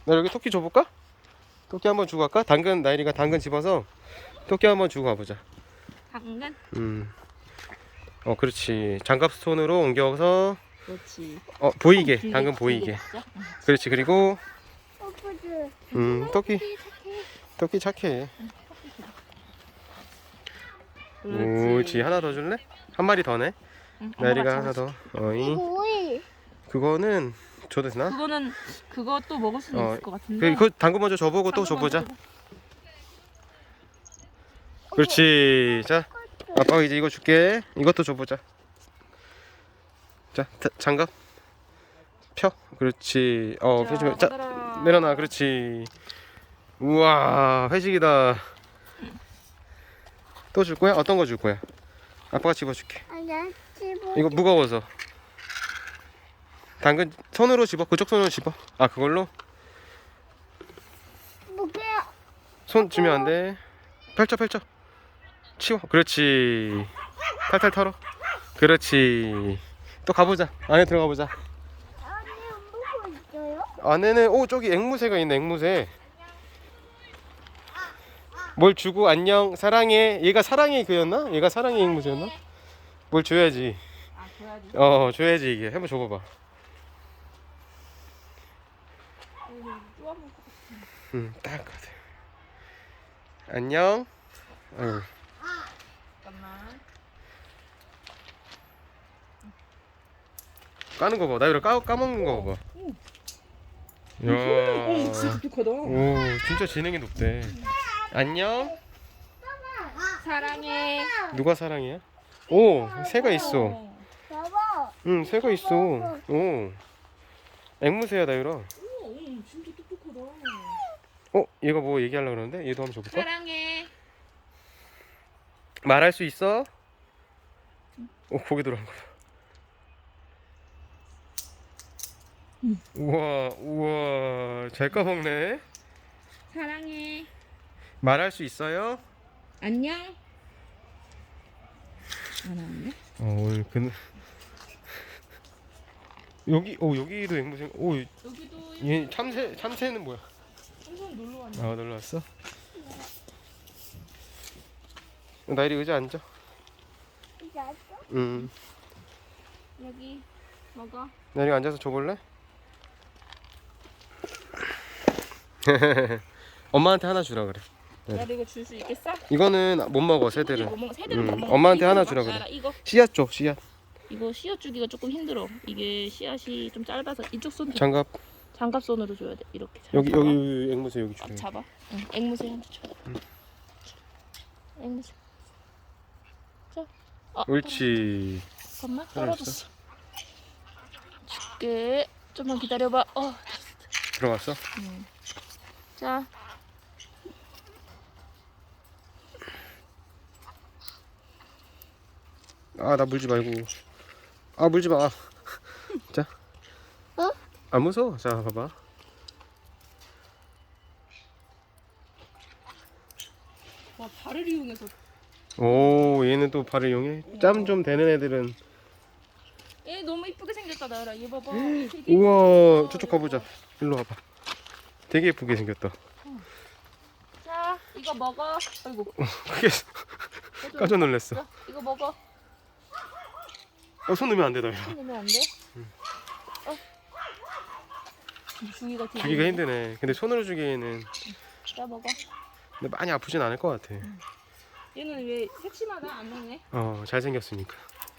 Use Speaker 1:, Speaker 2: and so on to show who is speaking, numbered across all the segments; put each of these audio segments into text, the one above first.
Speaker 1: 나 여기 토끼 줘볼까? 토끼 한번 주고 갈까? 당근, 나일이가 당근 집어서 토끼 한번 주고 가보자.
Speaker 2: 당근?
Speaker 1: 그렇지. 장갑 손으로 옮겨서
Speaker 2: 그렇지.
Speaker 1: 보이게,
Speaker 2: 길게,
Speaker 1: 당근
Speaker 2: 길게
Speaker 1: 보이게.
Speaker 2: 진짜?
Speaker 1: 그렇지. 그리고 토끼 착해. 그렇지. 하나 더 줄래? 한 마리 더네. 나일이가 하나 더. 어이.
Speaker 3: 오이.
Speaker 1: 그거는 줘도 되나?
Speaker 2: 그것도 먹을 수는 있을 것 같은데.
Speaker 1: 그 당근 먼저 줘보고 또
Speaker 2: 당근 먼저
Speaker 1: 줘보자. 그렇지. 자, 아빠가 이제 이거 줄게. 이것도 줘보자. 자, 장갑 펴. 그렇지. 펴주면 자, 내려놔. 그렇지. 우와, 회식이다. 또 줄 거야? 어떤 거 줄 거야? 아빠가 집어줄게. 이거 무거워서. 당근 손으로 집어. 그쪽 손으로 집어. 아, 그걸로?
Speaker 3: 뭐야?
Speaker 1: 손 주면 안 돼. 펼쳐. 치워. 그렇지. 탈탈 털어. 그렇지. 또 가보자. 안에 들어가 보자.
Speaker 3: 안에 뭐가 있어요?
Speaker 1: 안에는 저기 앵무새가 있네. 앵무새. 뭘 주고 안녕 사랑해. 얘가 사랑해 그였나? 얘가 사랑해 앵무새였나? 뭘 줘야지.
Speaker 2: 아, 줘야지.
Speaker 1: 줘야지 이게. 한번 줘봐봐. 딱 같아. 안녕.
Speaker 2: 잠깐만.
Speaker 1: 까는 거 봐. 나 이거 까먹는 거 봐. 이야.
Speaker 2: 진짜 똑똑하다.
Speaker 1: 오, 진짜 지능이 높대. 안녕.
Speaker 2: 사랑해.
Speaker 1: 누가 사랑이야? 오, 새가 있어.
Speaker 3: 봐봐.
Speaker 1: 응, 새가 있어. 오, 앵무새야 나유라.
Speaker 2: 진짜 똑똑하다.
Speaker 1: 얘가 뭐 얘기하려고 그러는데? 얘도 한번 줘볼까?
Speaker 2: 사랑해.
Speaker 1: 말할 수 있어? 고개 돌아간 거야. 우와, 잘 까먹네.
Speaker 2: 사랑해.
Speaker 1: 말할 수 있어요?
Speaker 2: 안녕. 안 왔네?
Speaker 1: 오늘 여기도 앵무새.
Speaker 2: 여기도
Speaker 1: 얘 참새는 뭐야?
Speaker 2: 한번 놀러 왔네.
Speaker 1: 놀러 왔어? 나일이 의자 앉아.
Speaker 3: 이제 알았어?
Speaker 2: 여기 먹어.
Speaker 1: 나일이가 앉아서 줘볼래? 엄마한테 하나 주라 그래.
Speaker 2: 나도 이거 줄 수 있겠어?
Speaker 1: 이거는 못 먹어 새들은.
Speaker 2: 새들은 못 먹어.
Speaker 1: 엄마한테
Speaker 2: 이거
Speaker 1: 하나
Speaker 2: 먹어.
Speaker 1: 주라 그래.
Speaker 2: 알아, 이거
Speaker 1: 씨앗 줘, 씨앗.
Speaker 2: 씨앗 주기가 조금 힘들어. 이게 씨앗이 좀 짧아서 이쪽 손
Speaker 1: 장갑.
Speaker 2: 장갑 손으로 줘야 돼. 이렇게.
Speaker 1: 여기
Speaker 2: 잡아.
Speaker 1: 앵무새 여기 주래.
Speaker 2: 잡아. 응. 앵무새한테 줘. 앵무새. 자.
Speaker 1: 옳지.
Speaker 2: 잠깐만 떨어졌어. 줄게. 좀만 기다려봐.
Speaker 1: 들어갔어?
Speaker 2: 자.
Speaker 1: 나 물지 말고. 물지 마. 자. 안 무서워. 자, 봐봐.
Speaker 2: 와, 발을 이용해서.
Speaker 1: 오, 얘는 또 발을 이용해? 짬 좀 되는 애들은.
Speaker 2: 얘 너무 이쁘게 생겼다, 나라. 얘 봐봐.
Speaker 1: 우와, 저쪽 가보자. 일로 와봐. 되게 예쁘게 생겼다.
Speaker 2: 자, 이거 먹어. 아이고.
Speaker 1: 크게 깜짝 놀랐어.
Speaker 2: 자, 이거 먹어.
Speaker 1: 손 넣으면 안 되다.
Speaker 2: 손 넣으면 안 돼? 주기가 되게.
Speaker 1: 주기가 힘드네. 근데 손으로 주기에는
Speaker 2: 자, 먹어.
Speaker 1: 근데 많이 아프진 않을 것 같아.
Speaker 2: 얘는 왜 색심하다? 안 먹네?
Speaker 1: 잘생겼으니까.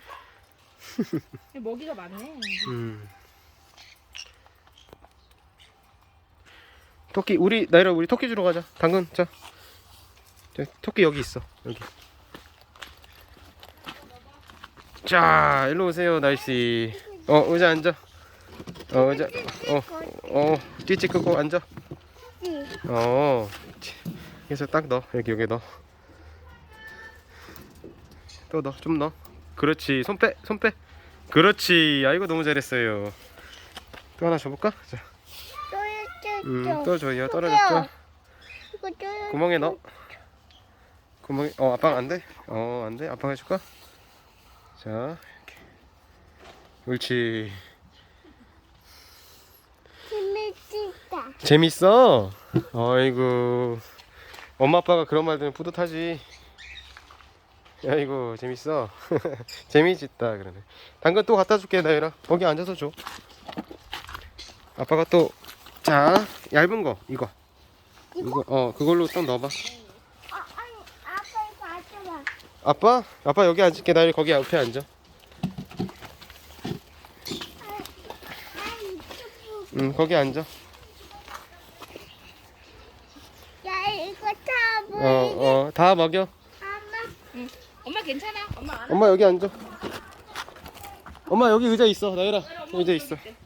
Speaker 2: 얘 먹이가 많네.
Speaker 1: 토끼 나이라 우리 토끼 주러 가자. 당근 자 토끼 여기 있어. 여기. 자 일로 오세요 날씨. 의자 앉아. 의자. 찌찌 끄고 앉아. 그래서 딱 넣어. 여기 넣어. 또 넣어. 좀 넣어. 그렇지. 손 빼. 그렇지. 아이고 너무 잘했어요. 또 하나 줘볼까? 자. 또 줘요. 떨어졌죠? 구멍에 넣어. 구멍에 아빠가 안 돼? 안 돼? 아빠가 해줄까? 자 이렇게. 옳지.
Speaker 3: 재밌다.
Speaker 1: 재밌어? 아이고 엄마 아빠가 그런 말 들으면 뿌듯하지. 아이고 재밌어. 재미있다 그러네. 당근 또 갖다 줄게 나유라. 거기 앉아서 줘. 아빠가 또 자 얇은 거 이거 그걸로 좀 넣어봐.
Speaker 3: 아니, 아빠 이거 가져봐.
Speaker 1: 아빠 여기 앉을게. 나유라 거기 옆에 앉아.
Speaker 3: 아니, 이거
Speaker 1: 거기 앉아.
Speaker 3: 야, 이거 다 보이게.
Speaker 1: 다 먹여.
Speaker 3: 엄마,
Speaker 2: 엄마 괜찮아. 엄마 안
Speaker 1: 엄마 여기 앉아. 엄마 여기 의자 있어. 나유라 의자 있어.